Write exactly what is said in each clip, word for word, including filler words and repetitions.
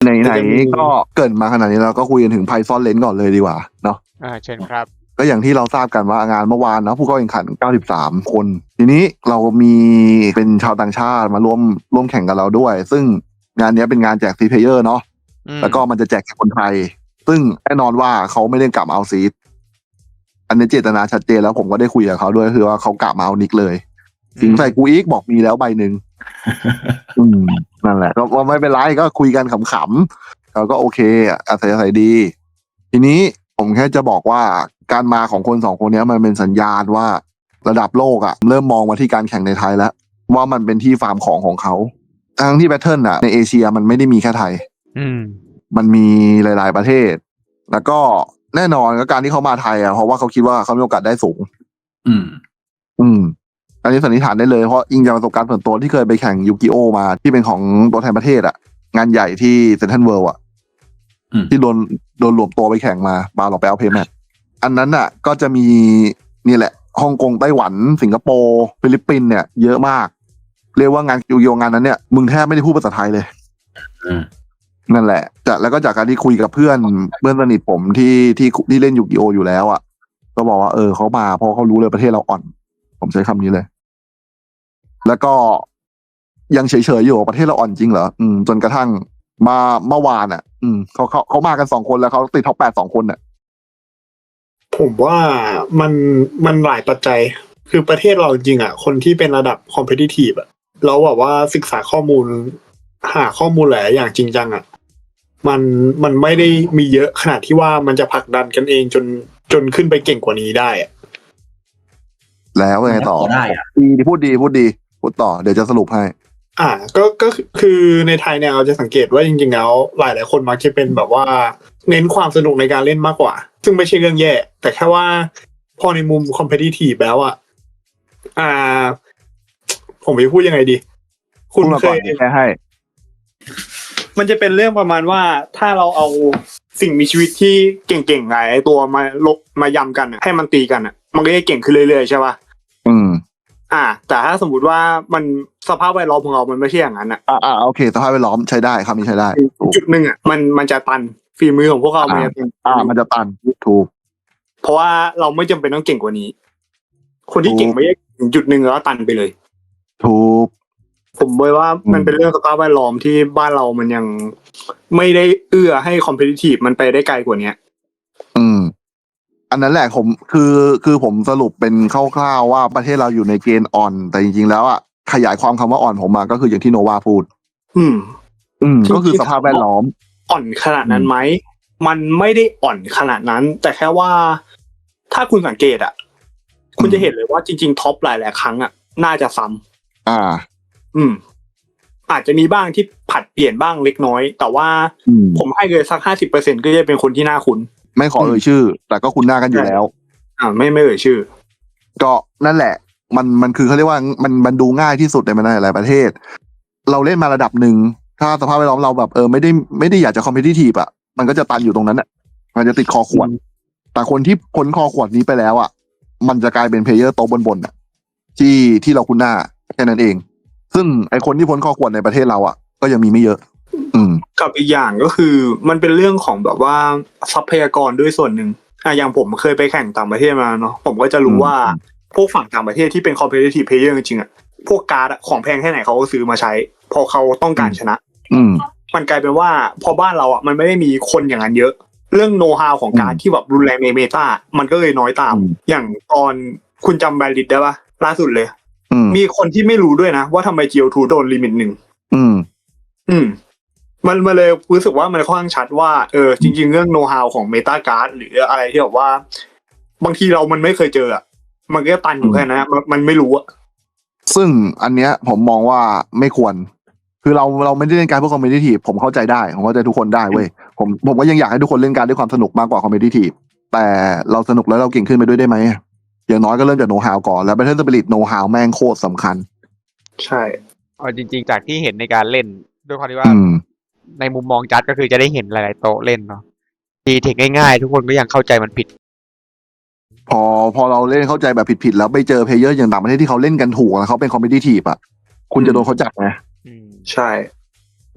ไหนๆก็เกิดมาขนาดนี้เราก็คุยกันถึง Python Lens ก่อนเลยดีกว่าเนาะอ่าเชิญครับก็อย่างที่เราทราบกันว่างานเมื่อวานเนาะผู้เข้าแข่งขันเก้าสิบสามคนทีนี้เรามีเป็นชาวต่างชาติมาร่วมร่วมแข่งกับเราด้วยซึ่งงานนี้เป็นงานแจกซีเพลเยอร์เนาะแล้วก็มันจะแจกแค่คนไทยซึ่งแน่นอนว่าเขาไม่ได้กลับมาเอาซีดอันนี้เจตนาชัดเจนแล้วผมก็ได้คุยกับเขาด้วยคือว่าเขากลับมาเอานิกเลยสิงใส่กูอีกบอกมีแล้วใบหนึ่งอืมนั่นแหละก็ไม่เป็นไรก็คุยกันขำๆเขาก็โอเคอาศัยอาศัยดีทีนี้ผมแค่จะบอกว่าการมาของคนสองคนนี้มันเป็นสัญญาณว่าระดับโลกอะเริ่มมองมาที่การแข่งในไทยแล้วว่ามันเป็นที่ฟาร์มของของเขาทั้งที่แบทเทิลอะในเอเชียมันไม่ได้มีแค่ไทยมันมีหลายๆประเทศแล้วก็แน่นอนก็การที่เขามาไทยอะเพราะว่าเขาคิดว่าเขามีโอกาสได้สูงอืมอืมอันนี้สันนิษฐานได้เลยเพราะอิงจากประสบการณ์ส่วนตัวที่เคยไปแข่งยูกิโอมาที่เป็นของตัวแทนประเทศอะงานใหญ่ที่เซ็นทรัลเวิลด์อะที่โดนโดนรวมตัวไปแข่งมาบาหลอกไปเอาเพย์แมทอันนั้นอ่ะก็จะมีนี่แหละฮ่องกงไต้หวันสิงคโปร์ฟิลิปปินส์เนี่ยเยอะมากเรียกว่างานยูกิโองานนั้นเนี่ยมึงแทบไม่ได้พูดภาษาไทยเลยนั่นแหละจากแล้วก็จากการที่คุยกับเพื่อนเพื่อนสนิทผมที่ที่ที่เล่นยูกิโออยู่แล้วอ่ะก็บอกว่าเออเขามาเพราะเขารู้เลยประเทศเราอ่อนผมใช้คำนี้เลยแล้วก็ยังเฉยๆอยู่ประเทศเราอ่อนจริงเหรออืมจนกระทั่งมาเมื่อวานอ่ะอืมเขาเขาเขามากันสองคนแล้วเขาติดท็อปแปดสองคนเนี่ยผมว่ามันมันหลายปัจจัยคือประเทศเราจริงอ่ะคนที่เป็นระดับคอมเพทิทีฟอ่ะแล้วแบบว่าศึกษาข้อมูลหาข้อมูลหลายอย่างจริงจังอ่ะมันมันไม่ได้มีเยอะขนาดที่ว่ามันจะผลักดันกันเองจนจนขึ้นไปเก่งกว่านี้ได้อ่ะแล้วไงต่อได้อ่ะดีพูดดีพูดดีพูดต่อเดี๋ยวจะสรุปให้อ่าก็ก็คือในไทยเนี่ยเราจะสังเกตว่าจริงๆแล้วหลายหลายคนมักจะเป็นแบบว่าเน้นความสนุกในการเล่นมากกว่าซึ่งไม่ใช่เรื่องแย่แต่แค่ว่าพอในมุมคอมเพทิทีฟแล้วอ่ะอ่าผมจะพูดยังไงดีคุณเคยแค่ให้มันจะเป็นเรื่องประมาณว่าถ้าเราเอาสิ่งมีชีวิตที่เก่งๆหลายตัวมาลบมายำกันให้มันตีกันอ่ะมันก็จะเก่งขึ้นเรื่อยๆใช่ป่ะอืมอ่าแต่ถ้าสมมติว่ามันสภาพแวดล้อมของเรามันไม่ใช่อย่างนั้นอ่ะอ่าอ่าโอเคสภาพแวดล้อมใช้ได้ครับนี่ใช้ได้จุดหนึ่งอ่ะมันมันจะตันฝีมือของพวกเรามันจะอ่ามันจะตันถูกเพราะว่าเราไม่จำเป็นต้องเก่งกว่านี้คนที่เก่งไม่ได้ถึงจุดหนึ่งแล้วตันไปเลยถูกผมบอกว่ามันเป็นเรื่องสภาพแวดล้อมที่บ้านเรามันยังไม่ได้เอื้อให้คอมเพทิทีฟมันไปได้ไกลกว่านี้อืมอันนั้นแหละผมคือคือผมสรุปเป็นคร่าวๆว่าประเทศเราอยู่ในเกณฑ์อ่อนแต่จริงๆแล้วอ่ะขยายความคำว่าอ่อนผมมาก็คืออย่างที่โนวาพูดอืมอืมก็คือสภาพแวดล้อมอ่อนขนาดนั้นไหมมันไม่ได้อ่อนขนาดนั้นแต่แค่ว่าถ้าคุณสังเกตอ่ะคุณจะเห็นเลยว่าจริงๆท็อปหลายๆครั้งอ่ะน่าจะซ้ำอ่าอืมอาจจะมีบ้างที่ผัดเปลี่ยนบ้างเล็กน้อยแต่ว่าผมให้เลยสัก ห้าสิบเปอร์เซ็นต์ ก็จะเป็นคนที่น่าคุ้นไม่ขอเอ่ยชื่อแต่ก็คุ้นหน้ากันอยู่แล้วอ่าไม่ไม่เอ่ยชื่อก็นั่นแหละมันมันคือเขาเรียกว่ามันมันดูง่ายที่สุดในมันหลายประเทศเราเล่นมาระดับหนึ่งถ้าสภาพแวดล้อมเราแบบเออไม่ได้ไม่ได้อยากจะคอมเพทิทีฟอ่ะมันก็จะตันอยู่ตรงนั้นอ่ะมันจะติดคอขวดแต่คนที่พ้นคอขวดนี้ไปแล้วอ่ะมันจะกลายเป็นเพลเยอร์โตบนๆอ่ะที่ที่เราคุ้นหน้าแค่นั้นเองซึ่งไอคนที่พ้นคอขวดในประเทศเราอ่ะก็ยังมีไม่เยอะอืมกับอีกอย่างก็คือมันเป็นเรื่องของแบบว่าทรัพยากรด้วยส่วนหนึ่งอ่ะอย่างผมเคยไปแข่งต่างประเทศมาเนาะผมก็จะรู้ว่าพวกฝั่งต่างประเทศที่เป็น competitive player จริงๆอ่ะพวกการ์ดของแพงแค่ไหนเขาก็ซื้อมาใช้พอเขาต้องการชนะอืมมันกลายเป็นว่าพอบ้านเราอ่ะมันไม่ได้มีคนอย่างนั้นเยอะเรื่องโนว์ฮาวของการที่แบบรุนแรงในเมตามันก็เลยน้อยตามอย่างตอนคุณจำแบรลิดได้ปะล่าสุดเลยมีคนที่ไม่รู้ด้วยนะว่าทำไม จี โอ ทู โดนลิมิตหนึ่งอืมอืมมันมาเลยรู้สึกว่ามันค่อนข้างชัดว่าเออจริงๆเรื่องโนว์ฮาวของเมตาการ์ดหรืออะไรที่แบบว่าบางทีเรามันไม่เคยเจออ่ะมันก็ตันอยู่แค่นั้นมันไม่รู้อ่ะซึ่งอันเนี้ยผมมองว่าไม่ควรคือเราเราไม่ได้เล่นการเพื่อคอมเพทิทีฟผมเข้าใจได้ผมเข้าใจทุกคนได้เว้ยผมผมก็ยังอยากให้ทุกคนเล่นการด้วยความสนุกมากกว่าคอมเพทิทีฟแต่เราสนุกแล้วเราเก่งขึ้นไปด้วยได้ไหมอย่างน้อยก็เริ่มจากโนว์ฮาวก่อนแล้ว Battle Spirit โนว์ฮาวแม่งโคตรสำคัญใช่เอาจริงๆจากที่เห็นในการเล่นด้วยความที่ว่าในมุมมองจัดก็คือจะได้เห็นหลายๆโต๊ะเล่นเนาะตีเทคง่ายๆทุกคนก็ยังเข้าใจมันผิดพอพอเราเล่นเข้าใจแบบผิดๆแล้วไปเจอเพลเยอร์อย่างต่างประเทศที่เขาเล่นกันถูกแล้วเขาเป็นคอมเพทิทีฟอ่ะคุณจะโดนเขาจับไงใช่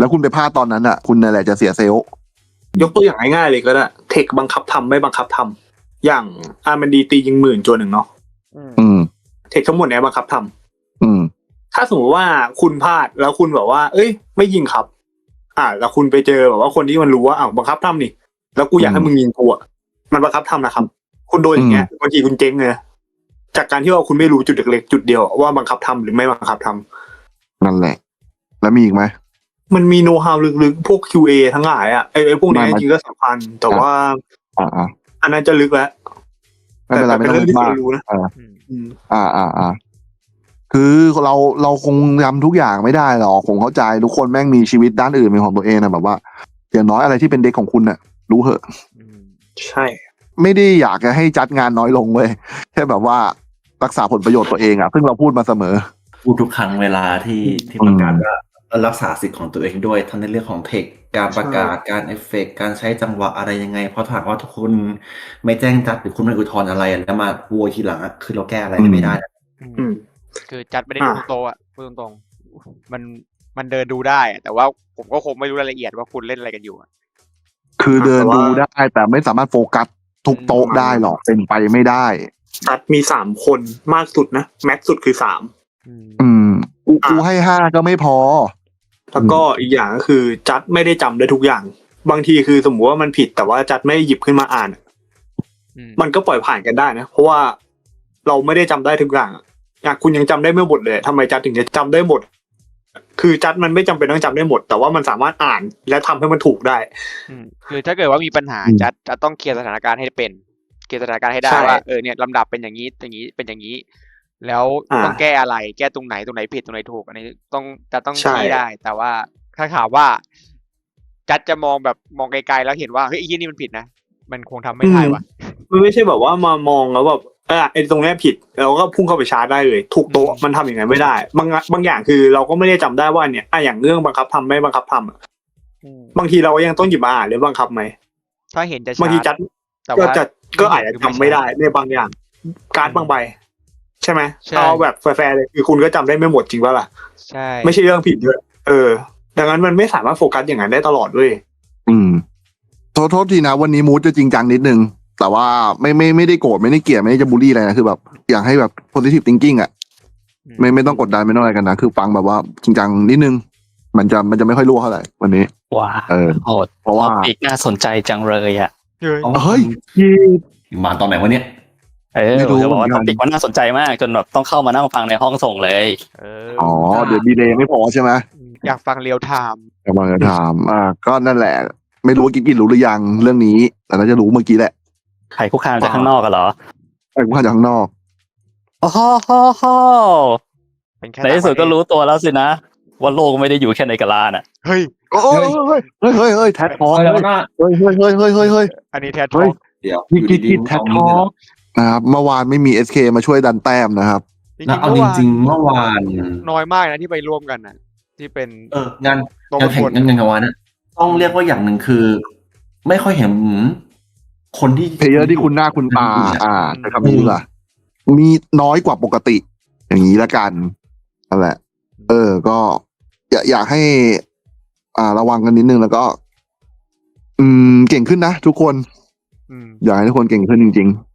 แล้วคุณไปพลาดตอนนั้นอ่ะคุณนั่นแหละจะเสียเซลล์ยกตัวอย่างง่ายๆเลยก็ได้เทคบังคับทำไม่บังคับทำอย่างอาร์มันดีตียิงหมื่นจวนหนึ่งเนาะอืมเทคทั้งหมดเนี้ยบังคับทำอืมถ้าสมมติว่าคุณพลาดแล้วคุณแบบว่าเอ้ยไม่ยิงครับอ่าแล้วคุณไปเจอแบบว่าคนที่มันรู้ว่าอ้าวบังคับทำนี่แล้วกูอยากให้มึงยิงกูอ่ะมันบังคับทำนะครับคุณโดนอย่างเงี้ยบางทีคุณเจ๊งเลยจากการที่ว่าคุณไม่รู้จุดเล็กๆจุดเดียวว่าบังคับทำหรือไม่บังคับทำนั่นแหละแล้วมีอีกไหมมันมีโน้ตฮาวลึกๆพวก คิว เอ ทั้งหลายอ่ะไอ้ไอ้พวกนี้จริงๆก็สำคัญแต่ว่าอ่าอันนั้นจะลึกแล้วไม่เป็นไรไม่ต้องลึกมากอ่าอ่าอ่าอ่าคือเราเราคงทำทุกอย่างไม่ได้หรอกผมเข้าใจทุกคนแม่งมีชีวิตด้านอื่นเป็นของตัวเองนะแบบว่าอย่างน้อยอะไรที่เป็นเด็กของคุณน่ะรู้เหอะใช่ไม่ได้อยากจะให้จัดงานน้อยลงเว้ยแค่แบบว่ารักษาผลประโยชน์ตัวเองอ่ะซึ่งเราพูดมาเสมอพูดทุกครั้งเวลาที่ที่ประกาศว่ารักษาสิทธิ์ของตัวเองด้วยทั้งในเรื่องของเทคการประกาศการเอฟเฟกต์การใช้จังหวะอะไรยังไงเพราะถ้าหากว่าทุกคนไม่แจ้งจัดหรือคุณไม่อุทธรณ์อะไรแล้วมาโวยทีหลังอ่ะคือเราแก้อะไรไม่ได้คือจัดไม่ได้ดูโตอ่ะพูดตรงๆมันมันเดินดูได้แต่ว่าผมก็คงไม่รู้รายละเอียดว่าคุณเล่นอะไรกันอยู่คือเดินดูได้แต่ไม่สามารถโฟกัสทุกโต๊ะได้หรอกเป็นไปไม่ได้จัดมีสามคนมากสุดนะแม็กสุดคือสามอืมกูกูให้ห้าก็ไม่พอแล้วก็อีกอย่างก็คือจัดไม่ได้จำได้ทุกอย่างบางทีคือสมมติว่ามันผิดแต่ว่าจัดไม่หยิบขึ้นมาอ่านมันก็ปล่อยผ่านกันได้นะเพราะว่าเราไม่ได้จำได้ทุกอย่างอย่างคุณยังจำได้ไม่หมดเลยทำไมจัดถึงจะจำได้หมดคือจัดมันไม่จำเป็นต้องจำได้หมดแต่ว่ามันสามารถอ่านและทำให้มันถูกได้คือถ้าเกิดว่ามีปัญหาจัดจะต้องเคลียร์สถานการณ์ให้เป็นเคลียร์สถานการณ์ให้ได้ว่าเออเนี่ยลำดับเป็นอย่างนี้อย่างนี้เป็นอย่างนี้แล้วต้องแก้อะไรแก้ตรงไหนตรงไหนผิดตรงไหนถูกอันนี้ต้องจะต้องชี้ได้แต่ว่าถ้าถามว่าจัดจะมองแบบมองไกลๆแล้วเห็นว่าเฮ้ยไอ้ยี่นี่มันผิดนะมันคงทำไม่ได้ว่ะมันไม่ใช่แบบว่ามามองแล้วแบบเออไอ้ตรงนี้ผิดเราก็พุ่งเข้าไปชาร์จได้เลยถูกโต๊ะมันทำอย่างไรไม่ได้บางบางอย่างคือเราก็ไม่ได้จำได้ว่าเนี่ยอ่ะอย่างเรื่องบังคับทำไม่บังคับทำบางทีเรายังต้องหยิบมาอ่านหรือบังคับไหมถ้าเห็นจะบางทีจัดก็จะก็อาจจะจำไม่ได้ในบางอย่างการ์ดบางใบใช่ไหมเอาแบบแฟร์ๆเลยคือคุณก็จำได้ไม่หมดจริงป่ะล่ะใช่ไม่ใช่เรื่องผิดด้วยเออดังนั้นมันไม่สามารถโฟกัสอย่างนั้นได้ตลอดด้วยอืมโทษโทษทีนะวันนี้มูดจะจริงจังนิดนึงแต่ว่าไม่ไม่ไม่ได้โกรธไม่ได้เกลียดไม่ได้จะบูลลี่อะไรนะคือแบบอยากให้แบบ positive thinking อ่ะไม่ไม่ต้องกดดันไม่ต้องอะไรกันนะคือฟังแบบว่าจริงจังนิดนึงมันจะมันจะไม่ค่อยรั่วเท่าไหร่วันนี้ว้าเออโหดเพราะว่าอีกน่าสนใจจังเลยอ่ะเฮ้ยมาตอนไหนวะเนี่ยเออจะบอกว่าท็อปิกมันน่าสนใจมากจนแบบต้องเข้ามานั่งฟังในห้องส่งเลยอ๋อเดี๋ยวดีเลย์ไม่พอใช่ไหมอยากฟังเรียลไทม์อยากฟังเรียลไทม์อ่าก็นั่นแหละไม่รู้ว่ากิ๊กกิ๊กรู้หรือยังเรื่องนี้แต่น่าจะรู้เมื่อกี้แหละใครคุกคามจากข้างนอกกันเหรอใครคุกคามจากข้างนอกอ๋อฮ่อฮ่อในที่สุดก็รู้ตัวแล้วสินะว่าโลกไม่ได้อยู่แค่ในกะลาน่ะเฮ้ยโอ้ยเฮ้ยเฮ้ยเฮ้ยเฮ้ยแท็ททอล์กเฮ้ยเฮ้ยเฮ้ยเฮ้ยเฮ้ยเฮ้ยเฮ้ยอันนี้แท็ททอล์กเดี๋ยวกิ๊กกิ๊กแท็ททอล์กนะครับเมื่อวานไม่มี เอส เค มาช่วยดันแต้มนะครับเอาจริงๆเมื่อวานน้อยมากนะที่ไปร่วมกันนะที่เป็นเอองานงานแข่งงานงานวันนะต้องเรียกว่าอย่างหนึ่งคือไม่ค่อยเห็นคนที่เพลเยอร์ที่คุณหน้าคุณตาอ่าจะทำนี้ล่ะมีน้อยกว่าปกติอย่างนี้ละกันนั่นแหละเออก็อยากอยากให้อ่าระวังกันนิดนึงแล้วก็อืมเก่งขึ้นนะทุกคนอยากให้ทุกคนเก่งขึ้นจริงๆ